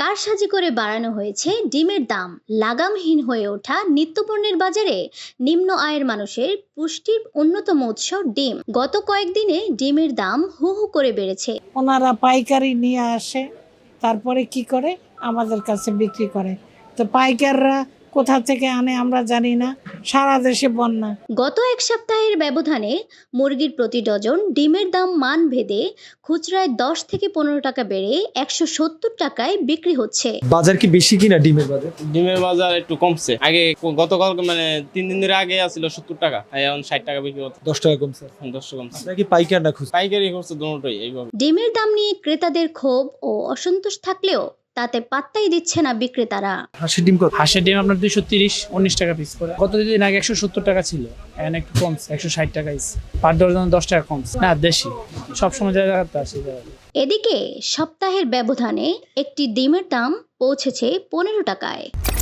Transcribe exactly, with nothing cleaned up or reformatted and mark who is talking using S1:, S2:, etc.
S1: কারসাজি করে বাড়ানো হয়েছে ডিমের দাম। লাগামহীন হয়ে ওঠা নিত্যপণ্যের বাজারে নিম্ন আয়ের মানুষের পুষ্টির অন্যতম উৎস ডিম। গত কয়েকদিনে ডিমের দাম হু হু করে বেড়েছে।
S2: ওনারা পাইকারি নিয়ে আসে, তারপরে কি করে আমাদের কাছে বিক্রি করে। তো পাইকাররা কোথা থেকে আনে আমরা জানি না, সারা দেশে বন্যা।
S1: গত এক সপ্তাহের ব্যবধানে মুরগির প্রতি ডজন ডিমের দাম মান ভেদে খুচরায় দশ থেকে পনেরো টাকা বেড়ে একশো সত্তর টাকায় বিক্রি হচ্ছে।
S3: বাজার কি বেশি কিনা ডিমের বাজার?
S4: ডিমের বাজার একটু কমছে। আগে গতকাল মানে তিন দিন ধরে আগে আসছিল সত্তর টাকা, এখন ষাট টাকা বিক্রি হচ্ছে।
S3: দশ টাকা কমছে।
S4: দশ টাকা কমছে।
S3: নাকি পাইকার না খুচরা?
S4: পাইকারি করছে দুটোই এইভাবে।
S1: ডিমের দাম নিয়ে ক্রেতাদের ক্ষোভ ও অসন্তোষ থাকলেও তাতে পাত্তাই দিচ্ছে না বিক্রেতারা।
S3: হাঁসের ডিম কত?
S5: হাঁসের ডিম আপনার দুইশো তিরিশ উনিশ টাকা পিস করে। গত দুদিন আগে একশো সত্তর টাকা ছিল, এখন একটু কমছে, একশো ষাট টাকা ইস পার ডজন দশ টাকা কমছে। না দেশি সবসময় যা জায়গাতে আসে।
S1: এদিকে সপ্তাহের ব্যবধানে একটি ডিমের দাম পৌঁছেছে পনেরো টাকায়।